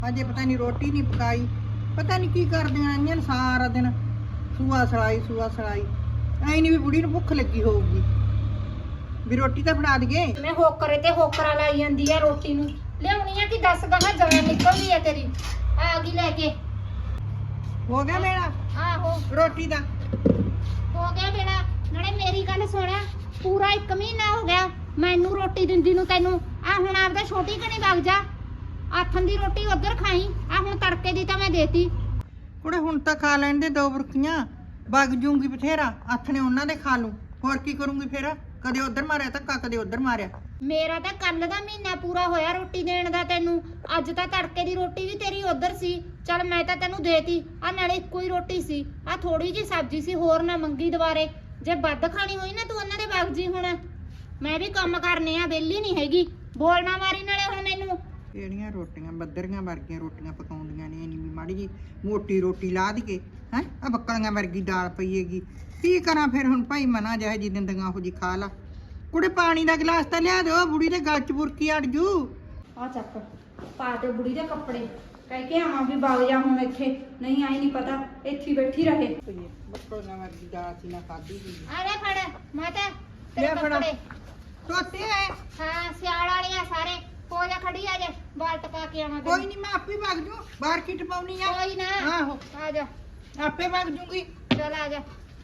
अजे पता नहीं रोटी नहीं पकाई, पता नहीं की करदियां आईयां ने सारा दिन सूआ सड़ाई ऐ नहीं भी बुढ़ी नूं भुख लगी होऊगी भी रोटी तो फड़ा दईए। मैं होकरे ते होकरा लाई जांदी है रोटी नूं लियाउणी है कि 10 गहा जान निकलदी है तेरी आ गई लेके। हो गया मेरा आहो रोटी दा हो गया बेड़ा। नाले मेरी गल सुण, पूरा 1 महीना हो गया मैनू रोटी दिंदी नूं तैनू। आ हुण आपदा छोटी कनी वग जा, आथन दी रोटी उधर खाई। आ हुण तड़के दी तां मैं देती। कुड़े हुण तां खा लैण दे 2 बुरकियां, वग जूंगी बथेरा आथने उन्हां दे खा लूं, होर की करूंगी फिर? कदे उधर मारिया धक्का कदे उधर मारिया। मेरा तां कल दा महीना पूरा होया रोटी देण दा तैनू। अज तां तड़के दी रोटी भी तेरी उधर सी, चल मैं तां तैनू देती। आ नाले इक्को ही रोटी सी, आ थोड़ी जी सब्जी सी, होर ना मंगी दुबारे। जे वध खानी होई ना तू उन्हां दे वग जी। हुण मैं भी काम करने आ, वेली नहीं हैगी। बोल ना मारी नाले हुण मैनू। ਕਿਹੜੀਆਂ ਰੋਟੀਆਂ ਬੱਦਰੀਆਂ ਵਰਗੀਆਂ ਰੋਟੀਆਂ ਪਕਾਉਂਦੀਆਂ ਨੇ, ਨਹੀਂ ਵੀ ਮਾੜੀ ਜੀ ਮੋਟੀ ਰੋਟੀ ਲਾ ਦਈਏ ਹੈ। ਆ ਬੱਕਲੀਆਂ ਵਰਗੀ ਦਾਲ ਪਈਏਗੀ, ਕੀ ਕਰਾਂ ਫਿਰ ਹੁਣ ਭਾਈ ਮਨਾ ਜਿਹੇ ਜੀ ਦਿੰਦੀਆਂ ਉਹ ਜੀ ਖਾ ਲਾ। ਕੁੜੇ ਪਾਣੀ ਦਾ ਗਲਾਸ ਤਾਂ ਲਿਆ ਦਿਓ, ਬੁੜੀ ਦੇ ਗਲ ਚ ਬੁਰਕੀ ਅੜ ਜੂ। ਆ ਚੱਕ ਪਾ ਦੇ ਬੁੜੀ ਦੇ ਕੱਪੜੇ, ਕਹਿ ਕੇ ਆਵਾਂ ਵੀ ਵਗ ਜਾ ਹੁਣ ਇੱਥੇ, ਨਹੀਂ ਆਈ ਨਹੀਂ ਪਤਾ ਇੱਥੇ ਬੈਠੀ ਰਹੇ। ਬੱਕਲੀਆਂ ਵਰਗੀ ਦਾਲ ਸੀ ਨਾ ਖਾਦੀ ਜੀ। ਆ ਲੈ ਫੜ ਮਾਤਾ ਤੇਰੇ ਕੱਪੜੇ ਧੋਤੇ ਐ। ਹਾਂ ਸਿਆਲ ਵਾਲੇ ਆ ਸਾਰੇ। ਹੋ ਜਾ ਖੜੀ, ਆ ਜਾ ਬਾਲ ਟਪਾ ਕੇ ਆਵਾਂ। ਕੋਈ ਨਹੀਂ ਮੈਂ ਆਪੇ ਵਗ ਜੂ, ਬਾਹਰ ਕਿਟ ਪਾਉਣੀ ਆ। ਕੋਈ ਨਾ ਆਹੋ ਆ ਜਾ, ਆਪੇ ਵਗ ਜੂਗੀ। ਚਲ ਆ ਜਾ।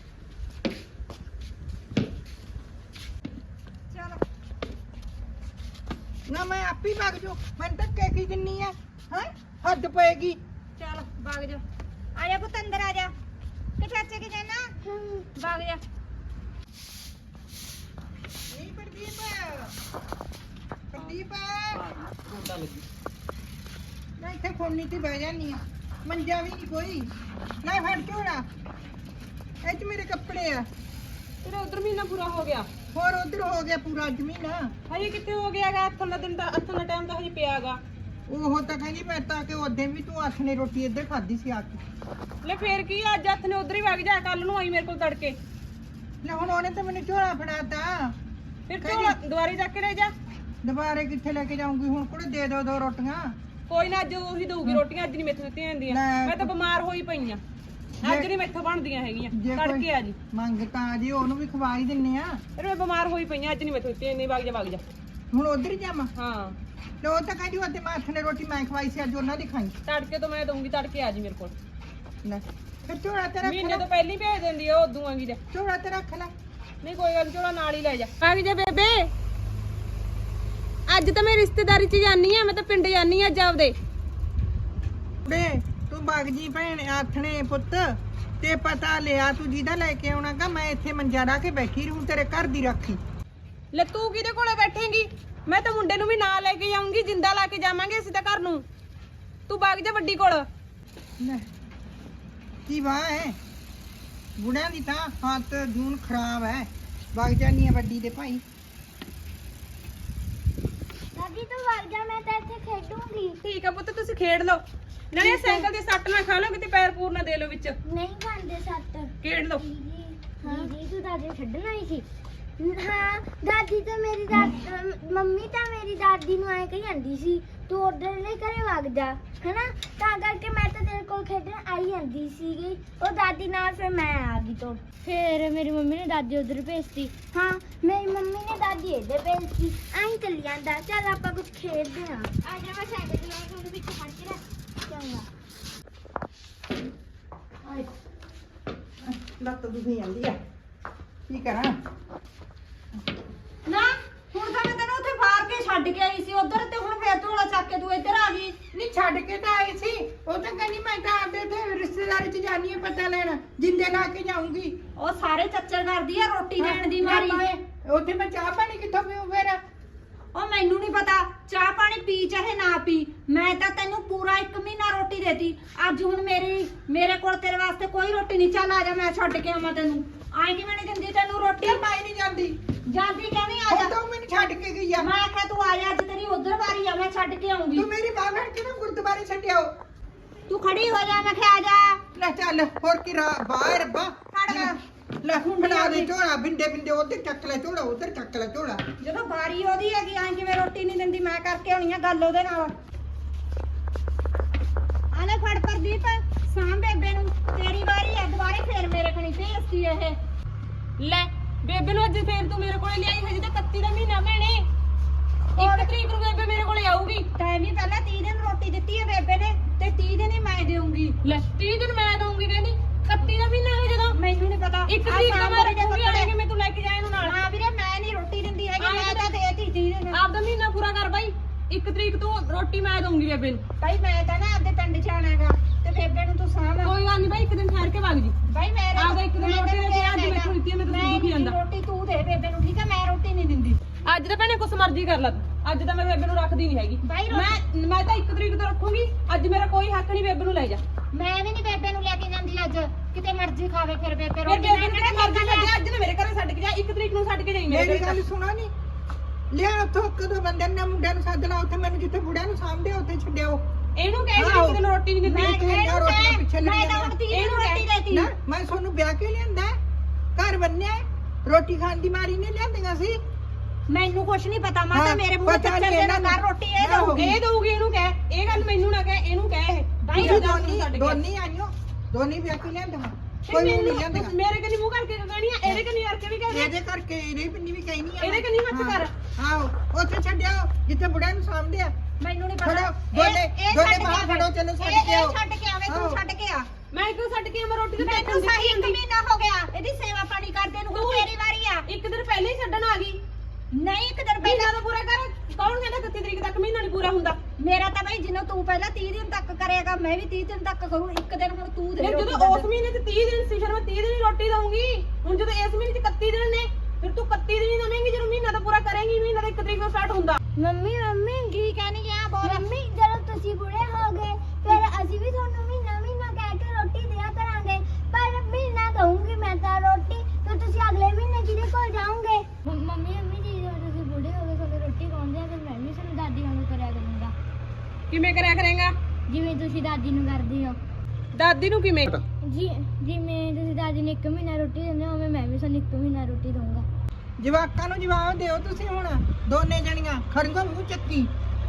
ਚਲ ਨਾ ਮੈਂ ਆਪੇ ਵਗ ਜੂ, ਮੈਂ ਧੱਕੇ ਕੀ ਦਿੰਨੀ ਆ ਹੈ, ਹੱਦ ਪਏਗੀ। ਚਲ ਵਗ ਜਾ, ਆ ਜਾ ਪੁੱਤ ਅੰਦਰ ਆ ਜਾ। ਕਿ ਚਾਚੇ ਕੀ ਜਾਣਾ? ਵਗ ਜਾ। ਨਹੀਂ ਪ੍ਰਦੀਪ ਨਾ ਇੱਥੇ ਖੋਲਣੀ ਤੇ ਬਹਿ ਜਾਨੀ ਆ, ਮੰਜਾ ਵੀ ਨਹੀਂ ਕੋਈ। ਲੈ ਫੜ ਝੋਲਾ, ਇਹ ਚ ਮੇਰੇ ਕੱਪੜੇ ਆ। ਤੇਰਾ ਉਧਰ ਮਹੀਨਾ ਪੂਰਾ ਹੋ ਗਿਆ, ਹੋਰ ਉਧਰ ਹੋ ਗਿਆ ਪੂਰਾ ਜ਼ਮੀਨਾ। ਹਜੇ ਕਿੱਥੇ ਹੋ ਗਿਆਗਾ? ਹੱਥੋਂ ਦਾ ਦਿਨ ਤਾਂ ਹੱਥੋਂ ਦਾ ਟਾਈਮ ਤਾਂ ਹਜੇ ਪਿਆਗਾ। ਉਹ ਤਾਂ ਕਹਿੰਦੀ ਮੈਂ ਤਾਂ ਕਿ ਉਹਦੇ ਵੀ ਤੂੰ ਹੱਥ ਨੇ ਰੋਟੀ ਇੱਧਰ ਖਾਧੀ ਸੀ ਆ ਕੇ। ਲੈ ਫੇਰ ਕੀ, ਅੱਜ ਹੱਥ ਨੇ ਉਧਰ ਹੀ ਵਗ ਜਾ, ਕੱਲ ਨੂੰ ਆਈ ਮੇਰੇ ਕੋਲ ਤੜਕੇ। ਲੈ ਹੁਣ ਉਹਨੇ ਤਾਂ ਮੈਨੂੰ ਝੋਲਾ ਫੜਾਤਾ, ਫਿਰ ਝੋਲਾ ਦੁਆਰੇ ਜਾ ਕੇ ਲੈ ਜਾ। ਦੁਬਾਰੇ ਕਿੱਥੇ ਲੈ ਕੇ ਜਾਊਂਗੀ ਹੁਣ? ਕੁੜੇ ਦੇ ਦੋ 2 ਰੋਟੀਆਂ। ਕੋਈ ਨਾ, ਅੱਜ ਉਹੀ ਦਊਗੀ ਰੋਟੀਆਂ, ਅੱਜ ਨਹੀਂ ਮੈਥੋਂ ਦਿੱਤੀਆਂ ਜਾਂਦੀਆਂ। ਲੈ। ਮੈਂ ਤਾਂ ਬਿਮਾਰ ਹੋਈ ਪਈ ਆ, ਅੱਜ ਨਹੀਂ ਮੈਥੋਂ ਬਣਦੀਆਂ ਹੈਗੀਆਂ। ਜੇ ਤੜਕੇ ਆ ਜੀ, ਮੰਗ ਤਾਂ ਜੀ ਉਹਨੂੰ ਵੀ ਖਵਾ ਹੀ ਦਿੰਨੇ ਆ। ਫਿਰ ਮੈਂ ਬਿਮਾਰ ਹੋਈ ਪਈ ਆ, ਅੱਜ ਨਹੀਂ ਮੈਥੋਂ ਦਿੱਤੀਆਂ ਜਾਂਦੀਆਂ। ਵਗ ਜਾ ਵਗ ਜਾ। ਹੁਣ ਉਧਰ ਹੀ ਜਾਵਾਂ? ਹਾਂ ਤੇ ਉਹ ਤਾਂ ਕਹਿੰਦੀ ਉਹਦੇ ਮੈਂ ਹੱਥ ਨੇ ਰੋਟੀ ਮੈਂ ਖਵਾਈ ਸੀ, ਅੱਜ ਉਹਨਾਂ ਦੀ ਖਾਈ। ਤੜਕੇ ਤੋਂ ਮੈਂ ਦਊਂਗੀ, ਤੜਕੇ ਆ ਜੀ ਮੇਰੇ ਕੋਲ। ਲੈ ਫਿਰ ਝੋਲਾ ਤੇ ਰੱਖ ਮਹੀਨੇ ਲੈ, ਤੋਂ ਪਹਿਲਾਂ ਹੀ ਭੇਜ ਦਿੰਦੀ ਆ, ਉਦੋਂ ਆਂਗੀ ਜਾ। ਝੋਲਾ ਤੇ ਰੱਖ ਲੈ। ਨਹੀਂ ਕੋਈ ਗੱਲ, ਝੋਲਾ ਨਾਲ ਹੀ ਲੈ ਜਾ। ਵਗ ਜਾ ਬੇਬੇ, ਅੱਜ ਤਾਂ ਮੈਂ ਰਿਸ਼ਤੇਦਾਰੀ 'ਚ ਜਾਨੀ ਆ, ਮੈਂ ਤਾਂ ਪਿੰਡ ਜਾਨੀ ਆ ਅੱਜ ਆਪਦੇ। ਬੇ ਤੂੰ ਬਾਗ ਜੀ ਭੈਣ ਆਥਣੇ ਪੁੱਤ ਤੇ ਪਤਾ ਲਿਆ ਤੂੰ ਜਿਹਦਾ ਲੈ ਕੇ ਆਉਣਾਗਾ, ਮੈਂ ਇੱਥੇ ਮੰਜਾ ਢਾ ਕੇ ਬੈਠੀ ਰਹੂੰ ਤੇਰੇ ਘਰ ਦੀ ਰਾਖੀ। ਲੈ ਤੂੰ ਕਿਹਦੇ ਕੋਲੇ ਬੈਠੇਂਗੀ? ਮੈਂ ਤਾਂ ਮੁੰਡੇ ਨੂੰ ਵੀ ਨਾਲ ਲੈ ਕੇ ਜਾਊਂਗੀ, ਜਿੰਦਾ ਲਾ ਕੇ ਜਾਵਾਂਗੇ ਅਸੀਂ ਤਾਂ ਘਰ ਨੂੰ। ਤੂੰ ਵਗ ਜਾ ਵੱਡੀ ਕੋਲ। ਲੈ ਕੀ ਵਾਹ ਹੈ, ਬੁੜਿਆਂ ਦੀ ਤਾਂ ਹੱਥ ਜੂਨ ਖਰਾਬ ਹੈ। ਵਗ ਜਾਨੀ ਆ ਵੱਡੀ ਦੇ ਭਾਈ। ਦਾਦੀ ਤੂੰ ਵਗ ਜਾ, ਮੈਂ ਤਾਂ ਇੱਥੇ ਖੇਡੂੰਗੀ। ਠੀਕ ਆ ਪੁੱਤ, ਤੁਸੀਂ ਖੇਡ ਲਓ। ਨਾਲੇ ਸਾਈਕਲ ਦੇ ਸੱਟ ਨਾ ਖਾ ਲਓ, ਕਿਤੇ ਪੈਰ ਪੂਰ ਨਾ ਦੇ ਲਓ ਵਿੱਚ। ਨਹੀਂ ਖਾਂਦੇ ਸੱਟ। ਖੇਡ ਲਓ। ਦੀਦੀ ਤੂੰ ਦਾਦੀ ਛੱਡਣ ਆਈ ਸੀ? ਹਾਂ ਦਾਦੀ ਤਾਂ ਮੇਰੀ ਮੰਮੀ ਤਾਂ ਮੇਰੀ ਦਾਦੀ ਨੂੰ ਐ ਕਹੀ ਜਾਂਦੀ ਸੀ ਤੂੰ ਉਧਰਲੇ ਘਰੇ ਵਗ ਜਾ, ਹੈਨਾ? ਤਾਂ ਕਰਕੇ ਮੈਂ ਤਾਂ ਤੇਰੇ ਕੋਲ ਖੇਡਣ ਆਈ ਜਾਂਦੀ ਸੀਗੀ, ਉਹ ਦਾਦੀ ਨਾਲ ਫਿਰ ਮੈਂ ਆ ਗਈ। ਤੋਂ ਫਿਰ ਮੇਰੀ ਮੰਮੀ ਨੇ ਦਾਦੀ ਉਧਰ ਭੇਜਤੀ। ਹਾਂ ਮੇਰੀ ਮੰਮੀ ਨੇ ਦਾਦੀ ਇੱਧਰ ਭੇਜਤੀ। ਐਂ ਚੱਲੀ ਜਾਂਦਾ। ਚੱਲ ਆਪਾਂ ਕੁਝ ਖੇਡਦੇ ਹਾਂ। ਆ ਜਾ, ਮੈਂ ਸਾਈਕਲ ਚਲਾ ਕੇ ਉਹਦੇ ਵਿੱਚ ਫੜ ਕੇ ਰੱਖ। ਚੰਗਾ। ਲੱਤ ਦੁਖੀ ਜਾਂਦੀ ਆ, ਕੀ ਕਰਾਂ? ਨਾ ਹੁਣ ਤਾਂ ਮੈਂ ਤੈਨੂੰ ਉੱਥੇ ਬਾਹਰ ਕੇ ਛੱਡ ਕੇ ਆਈ ਸੀ ਉਧਰ, ਤੇ ਹੁਣ ਫੇਰ ਝੋਲਾ ਚੱਕ ਕੇ ਤੂੰ ਇੱਧਰ ਆ ਗਈ। ਨਹੀਂ ਛੱਡ ਕੇ ਤਾਂ ਆਈ ਸੀ, ਉਹ ਤਾਂ ਕਹਿੰਦੀ ਮੈਂ ਤਾਂ ਆਪਦੇ ਤੇ ਰਿਸ਼ਤੇਦਾਰੀ 'ਚ ਜਾਨੀ ਆ ਪਤਾ ਲੈਣ, ਜਿੰਦੇ ਲਾ ਕੇ ਜਾਊਂਗੀ। ਉਹ ਸਾਰੇ ਚੱਚਰ ਕਰਦੀ ਆ ਰੋਟੀ ਦੇਣ ਦੀ ਮਾਰੀ। ਉੱਥੇ ਮੈਂ ਚਾਹ ਪਾਣੀ ਕਿੱਥੋਂ ਪੀਊਂ ਫਿਰ? ਉਹ ਮੈਨੂੰ ਨਹੀਂ ਪਤਾ, ਚਾਹ ਪਾਣੀ ਪੀ ਚਾਹੇ ਨਾ ਪੀ, ਮੈਂ ਤਾਂ ਤੈਨੂੰ ਪੂਰਾ 1 ਮਹੀਨਾ ਰੋਟੀ ਦੇਤੀ। ਅੱਜ ਹੁਣ ਮੇਰੇ ਕੋਲ ਤੇਰੇ ਵਾਸਤੇ ਕੋਈ ਰੋਟੀ ਨਹੀਂ। ਚੱਲ ਆ ਜਾ, ਮੈਂ ਛੱਡ ਕੇ ਆਵਾਂ ਤੈਨੂੰ। ਆਏ ਕਿਵੇਂ ਨਹੀਂ ਦਿੰਦੀ ਤੈਨੂੰ ਰੋਟੀ? ਮੈਂ ਨਹੀਂ ਜਾਂਦੀ। ਜਾਂਦੀ ਕਹਿੰਦੀ ਆ ਉਹ ਜਾ। ਤਾਂ ਮੈਨੂੰ ਛੱਡ ਕੇ ਗਈ ਆ। ਮੈਂ ਆਖਿਆ ਤੂੰ ਆ ਜਾ, ਅੱਜ ਤੇਰੀ ਉਧਰ ਵਾਰੀ ਆ, ਮੈਂ ਛੱਡ ਕੇ ਆਉਂਗੀ। ਤੂੰ ਮੇਰੀ ਬਾਹ ਫੜ ਕੇ ਨਾ ਗੁਰਦੁਆਰੇ ਛੱਡਿਓ। ਤੂੰ ਖੜੀ ਹੋ ਜਾ, ਮੈਂ ਕਿਹਾ ਆ ਜਾ। ਲੈ ਚੱਲ, ਹੋਰ ਕੀ ਬਾਹਰ ਰੱਬਾ ਫੜ। ਲੈ ਹੁਣ ਬਣਾ ਦੇ ਝੋਲਾ, ਬਿੰਦੇ ਬਿੰਦੇ ਉੱਧਰ ਚੱਕ ਲੈ ਝੋਲਾ, ਉੱਧਰ ਚੱਕ ਲੈ ਝੋਲਾ। ਜਦੋਂ ਵਾਰੀ ਉਹਦੀ ਹੈਗੀ, ਐਂ ਕਿਵੇਂ ਰੋਟੀ ਨਹੀਂ ਦਿੰਦੀ? ਮੈਂ ਕਰਕੇ ਆਉਣੀ ਆ ਗੱਲ ਉਹਦੇ ਨਾਲ। ਪ੍ਰਦੀਪ ਸਾਂ ਬੇਬੇ ਨੂੰ ਤੇਰੀ ਵਾਰੀ ਹੈ ਦੁਬਾਰੇ ਫੇਰ ਮੇਰੇ ਕੋਲ ਭੇਜਤੀ ਇਹ ਲੈ ਬੇਬੇ ਨੂੰ ਅੱਜ ਫੇਰ ਤੂੰ ਮੇਰੇ ਕੋਲੇ ਲਿਆਈ ਹਜੇ ਤਾਂ 31 ਦਾ ਮਹੀਨਾ ਭੈਣੇ 1 ਤਰੀਕ ਨੂੰ ਬੇਬੇ ਮੇਰੇ ਕੋਲੇ ਆਊਗੀ ਟਾਈਮ ਹੀ ਪਹਿਲਾਂ 30 ਦਿਨ ਰੋਟੀ ਦਿੱਤੀ ਹੈ ਬੇਬੇ ਨੇ ਤੇ 30 ਦਿਨ ਹੀ ਮੈਂ ਦੇਵਾਂਗੀ ਲੈ 30 ਦਿਨ ਮੈਂ ਦਊਂਗੀ ਕਹਿੰਦੀ 31 ਦਾ ਮਹੀਨਾ ਹੈ ਜਦੋਂ ਮੈਨੂੰ ਨਹੀਂ ਪਤਾ 1 ਤਰੀਕ ਦਾ ਮੈਂ ਰੱਖੂਗੀ ਆਏਗੀ ਮੈਂ ਤੂੰ ਲੈ ਕੇ ਜਾਏ ਇਹਨੂੰ ਨਾਲ ਹਾਂ ਵੀਰੇ ਮੈਂ ਨਹੀਂ ਰੋਟੀ ਦਿੰਦੀ ਹੈਗੀ ਮੈਂ ਤਾਂ ਦੇਤੀ 30 ਦਿਨ ਆਪਦਾ ਮਹੀਨਾ ਪੂਰਾ ਕਰ ਬਾਈ 1 ਤਰੀਕ ਤੋਂ ਰੋਟੀ ਮੈਂ ਦਊਂਗੀ ਬੇਬੇ ਨੂੰ ਬਾਈ ਮੈਂ ਤਾਂ ਨਾ ਆਪਦੇ ਪਿੰਡ ਚ ਆਣਾਗਾ ਤੇ ਬੇਬੇ ਨੂੰ ਤੂੰ ਸਾਂਭ ਕੋਈ ਗੱਲ ਨਹੀਂ ਬਾਈ 1 ਦਿਨ ਠਹਿਰ ਕੇ ਵਗ ਜੀ ਬਾਈ ਮੈਂ ਆਪਦਾ 1 ਦਿਨ ਰੋਟੀ ਦੇ ਅੱਜ ਮੈਥੋਂ ਦਿੱਤੀ ਹੈ ਮੈਂ ਤਾਂ ਦੁਖੀ ਜਾਂਦਾ ਰੋਟੀ ਤੂੰ ਦੇ ਬੇਬੇ ਨੂੰ ਠੀਕ ਹੈ ਮੈਂ ਰੋਟੀ ਨਹੀਂ ਦਿੰਦੀ ਅੱਜ ਤਾਂ ਭੈਣੇ ਕੁਛ ਮਰਜ਼ੀ ਕਰ ਲੈ ਤੂੰ ਅੱਜ ਤਾਂ ਮੈਂ ਬੇਬੇ ਨੂੰ ਰੱਖਦੀ ਨਹੀਂ ਹੈਗੀ ਮੈਂ ਤਾਂ 1 ਤਰੀਕ ਤੋਂ ਰੱਖੂਗੀ ਅੱਜ ਮੇਰਾ ਕੋਈ ਹੱਕ ਨਹੀਂ ਬੇਬੇ ਨੂੰ ਲੈ ਜਾ ਮੈਂ ਵੀ ਨਹੀਂ ਬੇਬੇ ਨੂੰ ਲੈ ਕੇ ਜਾਂਦੀ ਅੱਜ ਕਿਤੇ ਮਰਜ਼ੀ ਖਾਵੇ ਫਿਰ ਬੇਬੇ ਰੋਟੀ ਬੇਬੇ ਨੂੰ ਮਰਜ਼ੀ ਛੱਡਿਆ ਅੱਜ ਨਾ ਮੇਰੇ ਘਰੇ ਛੱਡ ਕੇ ਜਾ 1 ਤਰੀਕ ਨੂੰ ਛੱਡ ਕੇ ਜਾਈ ਮੇਰੇ ਮੇਰੀ ਗੱਲ ਸੁਣਾ ਨਹੀਂ ਲਿਆ ਉੱਥੋਂ ਕਦੋਂ ਬੰਦੇ ਨੇ ਮੁੰਡਿਆਂ ਨੂੰ ਸੱਦ ਲਾ ਉੱਥੇ ਮੈਨੂੰ ਜਿੱਥੇ ਬੁੜਿਆਂ ਨੂੰ ਸਾਂਭਦੇ ਉੱਥੇ ਛੱਡਿਓ ਇਹਨੂੰ ਕਹਿ ਜੀ ਇੱਕ ਦਿਨ ਰੋਟੀ ਨਹੀਂ ਦਿੰਦੀ ਮੈਂ ਤਾਂ ਹੁਣ 30 ਦਿਨ ਰੋਟੀ ਦੇਤੀ ਨਾ ਮੈਂ ਤੁਹਾਨੂੰ ਵਿਆਹ ਕੇ ਲਿਆਂਦਾ ਘਰ ਬੰਨਿਆ ਰੋਟੀ ਖਾਣ ਦੀ ਮਾਰੀ ਨੇ ਲਿਆਂਦੀਆਂ ਸੀ ਮੈਨੂੰ ਕੁਛ ਨਹੀਂ ਪਤਾ ਮੈਂ ਤਾਂ ਮੇਰੇ ਮੂੰਹ ਤੇ ਚੱਲ ਦੇਣਾ ਕਰ ਰੋਟੀ ਇਹ ਦਊਗੀ ਇਹਨੂੰ ਕਹਿ ਇਹ ਗੱਲ ਮੈਨੂੰ ਨਾ ਕਹਿ ਇਹਨੂੰ ਕਹਿ ਇਹ ਦੋਨੀ ਆਈਓ ਦੋਨੀ ਵਿਆਹ ਕੇ ਲਿਆਂਦਾ ਕੋਈ ਨਹੀਂ ਲਿਆਂਦਾ ਮੇਰੇ ਕਨੀ ਮੂੰਹ ਕਰਕੇ ਕਹਿਣੀ ਆ ਇਹਦੇ ਕਨੀ ਕਰਕੇ ਵੀ ਕਹਿ ਇਹਦੇ ਕਰਕੇ ਇਹਦੇ ਪਿੰਨੀ ਵੀ ਕਹਿਨੀ ਆ ਇਹਦੇ ਕਨੀ ਮੱਚ ਕਰ ਆਓ ਉੱਥੇ ਛੱਡਿਓ ਜਿੱਥੇ ਬੁੜਿਆਂ ਨੂੰ ਸਾਂਭਦੇ ਆ ਮੈਨੂੰ ਨਹੀਂ ਪਤਾ ਦੋਨੇ ਬਾਹਰ ਖੜੋ ਚਲੋ ਛੱਡ ਕੇ ਆਓ ਛੱਡ ਕੇ ਆਵੇ ਤੂੰ ਛੱਡ ਕੇ ਆ ਮੈਂ ਕਿਉਂ ਛੱਡ ਕੇ ਮੈਂ ਰੋਟੀ ਤੇ ਮੈਨੂੰ ਸਹੀ 1 ਮਹੀਨਾ ਹੋ ਗਿਆ ਇਹਦੀ ਸੇਵਾ ਪਾਣੀ ਕਰਦੇ ਨੂੰ ਹੁਣ ਤੇਰੀ ਵਾਰੀ ਆ ਇੱਕ ਦਿਨ ਪਹਿਲੇ ਹੀ ਛੱਡਣ ਆ ਗਈ ਨਹੀਂ 1 ਦਿਨ ਮਹੀਨਾ ਤਾਂ ਪੂਰਾ ਕਰ ਕੌਣ ਕਹਿੰਦਾ 31 ਤਰੀਕ ਤੱਕ ਮਹੀਨਾ ਨਹੀਂ ਪੂਰਾ ਹੁੰਦਾ ਮੇਰਾ ਤਾਂ ਬਈ ਜਿੰਨਾ ਤੂੰ ਪਹਿਲਾਂ 30 ਦਿਨ ਤੱਕ ਕਰੇਗਾ ਮੈਂ ਵੀ 30 ਦਿਨ ਤੱਕ ਕਰੂੰ 1 ਦਿਨ ਹੁਣ ਤੂੰ ਦੇ ਫਿਰ ਜਦੋਂ ਉਸ ਮਹੀਨੇ ਚ 30 ਦਿਨ ਸੀ ਫਿਰ ਮੈਂ 30 ਦਿਨ ਹੀ ਰੋਟੀ ਦਊਂਗੀ ਹੁਣ ਜਦੋਂ ਇਸ ਮਹੀਨੇ ਚ 31 ਦਿਨ ਨੇ ਫਿਰ ਤੂੰ 31 ਦਿਨ ਹੀ ਦਵੇਂਗੀ ਜਦੋਂ ਮਹੀਨਾ ਤਾਂ ਪੂਰਾ ਕਰੇਂਗੀ ਮਹੀਨਾ ਤਾਂ 1 ਤਰੀਕ ਤੋਂ ਸਟਾਰਟ ਹੁੰਦਾ ਮੰਮੀ ਕੀ ਕਹਿਣੀ ਆ ਬੋਲ ਮੰਮੀ ਜਦੋਂ ਤੁਸੀਂ ਬੁੜੇ ਹੋ ਗਏ ਫਿਰ ਅਸੀਂ ਵੀ ਤੁਹਾਨੂੰ ਮਹੀਨਾ ਕਹਿ ਕੇ ਰੋਟੀ ਦਿਆ ਕਰਾਂਗੇ ਪਰ ਮਹੀਨਾ ਦਊਂਗੀ ਮੈਂ ਤਾਂ ਰੋਟੀ ਤੇ ਤੁਸੀਂ ਅਗਲੇ ਮਹੀਨੇ ਕਿਹਦੇ ਕੋਲ ਜਾਓਗੇ ਮੰਮੀ ਜੀ ਜਦੋਂ ਤੁਸੀਂ ਬੁੜੇ ਹੋ ਗਏ ਤੁਹਾਨੂੰ ਰੋਟੀ ਖਾਉਂਦੇ ਆ ਫਿਰ ਮੈਂ ਵੀ ਤੁਹਾਨੂੰ ਦਾਦੀ ਵਾਂਗੂ ਕਰਿਆ ਕਰੂੰਗਾ ਕਿਵੇਂ ਕਰਿਆ ਕਰੇਗਾ ਜਿਵੇਂ ਤੁਸੀਂ ਦਾਦੀ ਨੂੰ ਕਰਦੇ ਹੋ ਦਾਦੀ ਨੂੰ ਕਿਵੇਂ ਜਿਵੇਂ ਤੁਸੀਂ ਦਾਦੀ ਨੂੰ 1 ਮਹੀਨਾ ਰੋਟੀ ਦਿੰਦੇ ਹੋ ਉਵੇਂ ਮੈਂ ਵੀ ਤੁਹਾਨੂੰ 1 ਮਹੀਨਾ ਰੋਟੀ ਦਊਂਗਾ ਜਵਾਕਾਂ ਨੂੰ ਜਵਾਬ ਦਿਓ ਤੁਸੀਂ ਹੁਣ ਦੋਨੇ ਜਣੀਆਂ ਖੜੀਆਂ ਮੂੰਹ ਚੱਕੀ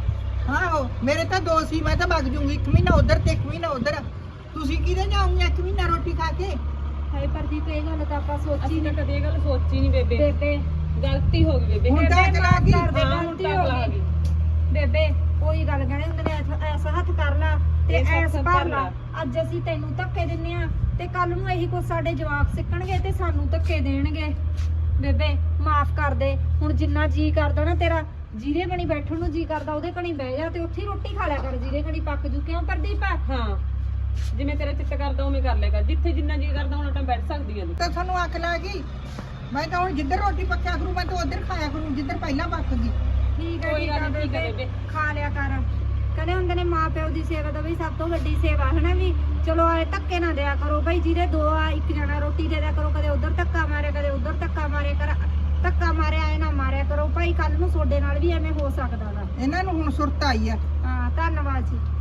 ਆਹੋ ਮੇਰੇ ਤਾਂ 2 ਸੀ ਮੈਂ ਤਾਂ ਵਗ ਜੂੰਗੀ 1 ਮਹੀਨਾ ਉਧਰ ਤੇ 1 ਮਹੀਨਾ ਉਧਰ ਤੁਸੀਂ ਕਿਹਦੇ ਜਾਓਗੇ 1 ਮਹੀਨਾ ਰੋਟੀ ਖਾ ਕੇ ਹਾਏ ਪ੍ਰਦੀਪ ਇਹ ਗੱਲ ਤਾਂ ਆਪਾਂ ਸੋਚੀ ਨਹੀਂ ਕਦੇ ਇਹ ਗੱਲ ਸੋਚੀ ਨਹੀਂ ਬੇਬੇ ਗਲਤੀ ਹੋ ਗਈ ਬੇਬੇ ਹੁਣ ਤਾਂ ਚਲਾ ਗਈ ਗਲਤੀ ਹੋ ਗਈ ਬੇਬੇ ਕੋਈ ਗੱਲ ਕਹਿੰਦੇ ਹੁੰਦੇ ਨੇ ਐਸਾ ਹੱਥ ਕਰ ਲਾ ਤੇ ਐਸ ਭਰ ਲਾ ਅੱਜ ਅਸੀਂ ਤੈਨੂੰ ਧੱਕੇ ਦਿੰਨੇ ਆ ਤੇ ਕੱਲ ਨੂੰ ਇਹੀ ਕੁਛ ਸਾਡੇ ਜਵਾਕ ਸਿੱਖਣਗੇ ਤੇ ਸਾਨੂੰ ਧੱਕੇ ਦੇਣਗੇ ਬੇਬੇ ਮਾਫ ਕਰ ਦੇ ਹੁਣ ਜਿੰਨਾ ਜੀ ਕਰਦਾ ਨਾ ਤੇਰਾ ਜੀਰੇ ਕਣੀ ਬੈਠਣ ਨੂੰ ਜੀ ਕਰਦਾ ਉਹਦੇ ਕਣੀ ਬਹਿ ਜਾ ਤੇ ਉੱਥੇ ਰੋਟੀ ਖਾ ਲਿਆ ਕਰ ਜੀਰੇ ਕਣੀ ਪੱਕ ਜੂ ਕਿਉਂ ਪ੍ਰਦੀਪ ਹਾਂ ਜਿਵੇਂ ਤੇਰਾ ਚਿੱਤ ਕਰਦਾ ਉਵੇਂ ਕਰ ਲਿਆ ਕਰ ਜਿੱਥੇ ਜਿੰਨਾ ਜੀ ਕਰਦਾ ਹੁਣ ਤਾਂ ਬੈਠ ਸਕਦੀ ਆ ਤਾਂ ਤੁਹਾਨੂੰ ਅੱਖ ਲੱਗ ਗਈ ਮੈਂ ਤਾਂ ਹੁਣ ਜਿੱਧਰ ਰੋਟੀ ਪੱਕਿਆ ਕਰੂ ਮੈਂ ਤਾਂ ਉਧਰ ਖਾਇਆ ਕਰੂੰ ਜਿੱਧਰ ਪਹਿਲਾਂ ਪੱਕ ਗਈ ਠੀਕ ਹੈ ਬੇਬੇ ਖਾ ਲਿਆ ਕਰ ਕਹਿੰਦੇ ਹੁੰਦੇ ਨੇ ਮਾਂ ਪਿਓ ਦੀ ਸੇਵਾ ਤਾਂ ਬਈ ਸਭ ਤੋਂ ਵੱਡੀ ਸੇਵਾ ਹੈ ਨਾ ਵੀ ਚਲੋ ਆਏ ਧੱਕੇ ਨਾ ਦਿਆ ਕਰੋ ਬਈ ਜਿਹਦੇ 2 ਆ 1 ਜਣਾ ਰੋਟੀ ਦੇ ਦਿਆ ਕਰੋ ਕਦੇ ਉਧਰ ਧੱਕਾ ਮਾਰੇ ਕਦੇ ਉਧਰ ਧੱਕਾ ਮਾਰੇ ਕਰ ਧੱਕਾ ਮਾਰਿਆ ਐ ਨਾ ਮਾਰਿਆ ਕਰੋ ਭਾਈ ਕੱਲ ਨੂੰ ਤੁਹਾਡੇ ਨਾਲ ਵੀ ਐਵੇਂ ਹੋ ਸਕਦਾ ਵਾ ਇਹਨਾਂ ਨੂੰ ਹੁਣ ਸੁਰਤ ਆਈ ਆ ਹਾਂ ਧੰਨਵਾਦ ਜੀ